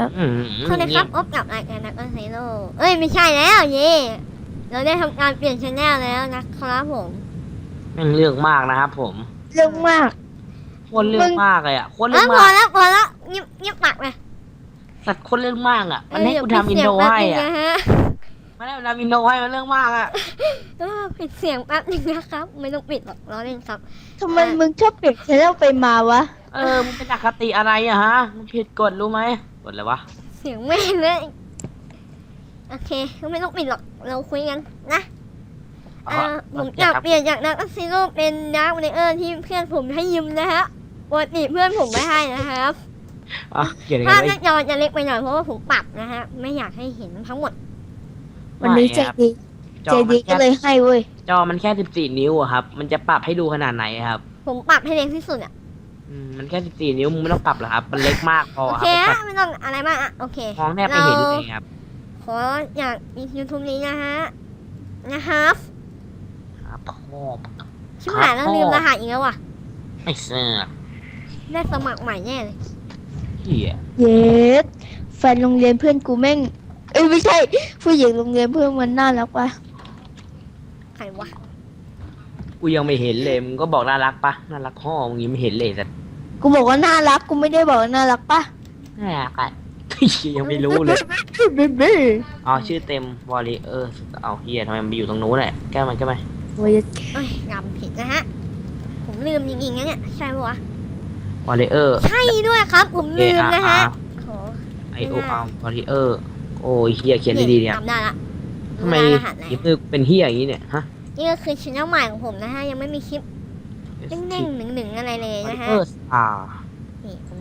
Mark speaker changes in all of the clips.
Speaker 1: สวัสดีครับพบกับรายการนักเซโร่เอ้ยไม่ใช่แล้วเย่เราได้ทำการเปลี่ยนชแนลแล้วนะครับผม
Speaker 2: แม่งเรื่องมากนะครับผม
Speaker 3: เรื่องมาก
Speaker 2: คนเรื่องมากเลยอ่ะคนเรื่
Speaker 1: อ
Speaker 2: อง
Speaker 1: พอ
Speaker 2: มาก
Speaker 1: แล้วพอแล้วเงียบปากไป
Speaker 2: สัตว์คนเรื่องมากอ่ะมันให้กูทำอินโทรให้อ่ะมันให้กูทำอินโทรให้มันเรื่องมากอ่ะ
Speaker 1: ปิดเสียงแป๊บนึงนะครับไม่ต้องปิดหรอกล้อเล่นครับ
Speaker 3: ทำไมมึงชอบเปลี่ยนชแนลไปมาวะ
Speaker 2: มึงเป็นอคติอะไรอะฮะมึงผิดกฎรู้ไหมกฎอะไรวะ
Speaker 1: เสียงแม่เลยโอเคก็ไม่ต้องปิดหรอกเราคุยกันนะผมอยากเปลี่ยนจากนักซีโร่เป็นนักวอลเลย์ที่เพื่อนผมให้ยืมนะฮะปกติเพื่อนผมไม่ให้นะครับภาพหน้าจอจะเล็กไปหน่อยเพราะว่าผมปรับนะฮะไม่อยากให้เห็นทั้งหมด
Speaker 3: วันนี้ใจดีก็เลยให้เว้ย
Speaker 2: จอมันแค่14 นิ้วอะครับมันจะปรับให้ดูขนาดไหนครับ
Speaker 1: ผมปรับให้เล็กที่สุดอ่ะ
Speaker 2: มันแค่14 นิ้วมึงไม่ต้องปรับหรอกครับมันเล็กมากพอ
Speaker 1: โอเคไม่ต้องอะไรมากอ่ะโอเค
Speaker 2: มองแทบไม่เห็นเลยครับ
Speaker 1: ขออยากมี YouTube นี้นะฮะนะครับ
Speaker 2: พ่อ
Speaker 1: ชิบหายแล้วลืมรหัสอีกแล้วว่ะ
Speaker 2: ไอ้เสือ
Speaker 1: ได้สมัครใหม่แน่เลย
Speaker 2: เหี้ย
Speaker 3: เย็ดแฟนโรงเรียนเพื่อนกูแม่งไม่ใช่ผู้หญิงโรงเรียนเพื่อนมันน่ารักปะ
Speaker 1: ใครวะ
Speaker 2: กูยังไม่เห็นเลยมึงก็บอกน่ารักปะน่ารักพ่อมึงยังไม่เห็นเลยสัตว์
Speaker 3: กูบอกว่าน่ารักกูไม่ได้บอกน่ารักปะ
Speaker 2: น่ารักอ่ะยังไม่รู้เลยอ๋อชื่อเต็มวอลเลเยอร์เอาเฮียทำไมมันอยู่ตรงนู้นแหละแก้มัน
Speaker 1: โอ้ยจำผิดนะฮะผมลืมจริงๆนะเนี่ยใช่ปะวะ
Speaker 2: วอลเลเยอร์
Speaker 1: ใช่ด้วยครับผมลืมนะฮะ
Speaker 2: ไอโออาร์วอลเลเยอร์โอ้ยเฮียเขียนดีๆเนี่ย
Speaker 1: จำได้ละ
Speaker 2: ทำไมยิบมือเป็นเฮียอย่างนี้เนี่ยฮะ
Speaker 1: นี่ก็คือชิ้นใหม่ของผมนะฮะยังไม่มีคลิปเน่งๆหนึ่งๆอะไรเลยนะฮะนี่ผม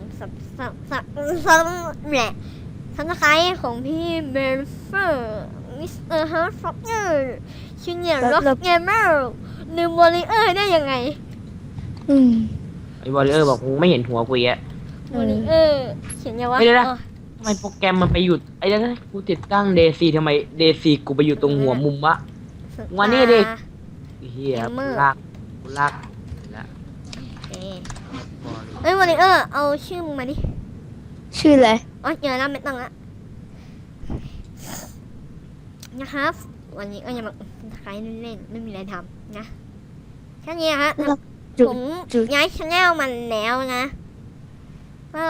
Speaker 1: แหละทันสไครของพี่เบลเฟอร์มิสเตอร์ฮาร์ฟ็อกเกอร์ชินเนียร์ร็อกเกมเมอร์ลืมวอลเลเยอร์ได้ยังไง
Speaker 2: ไอวอลเลเยอร์บอกมึงไม่เห็นหัวกูอ่ะ
Speaker 1: วอลเลเยอร์เขียนยังวะ
Speaker 2: ทำไมโปรแกรมมันไปหยุดไอ้นั่นกูติดตั้งเดซีทำไมเดซีกูไปอยู่ตรงหัวมุมวะวันนี้ดิเฮียลากแล้ว
Speaker 1: เอ้ยวอลเลเยอร์เอาชื่อมึงมาดิ
Speaker 3: ชื่ออะไร
Speaker 1: อ๋อเจอแล้วไม่ต้องละนะครับวันนี้ก็ยังมาใครเล่นไม่มีอะไรทำนะแค่นี้ฮะผมย้ายชแนลมันแล้วนะก็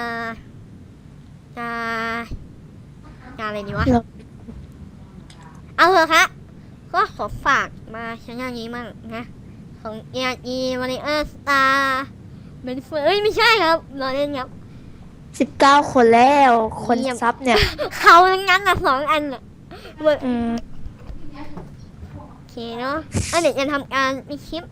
Speaker 1: จะอะไรดีวะเอาเถอะครับก็ขอฝากมาชแนลนี้มั่งนะของวอลเลเยอร์สตาร์เป็นเฟอร์ไม่ใช่ครับเราเล่นครับ
Speaker 3: 19 คนแล้วคนซับเนี่ย
Speaker 1: เขาทั้งนั้นละ2 อันอ่ะโอเคเนาะเดี๋ยวจะทำการมีคลิป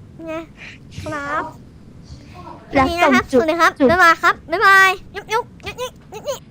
Speaker 1: นะครับนี่นะครับสวัสดีครับบ๊ายบายครับบ๊ายบายยุบ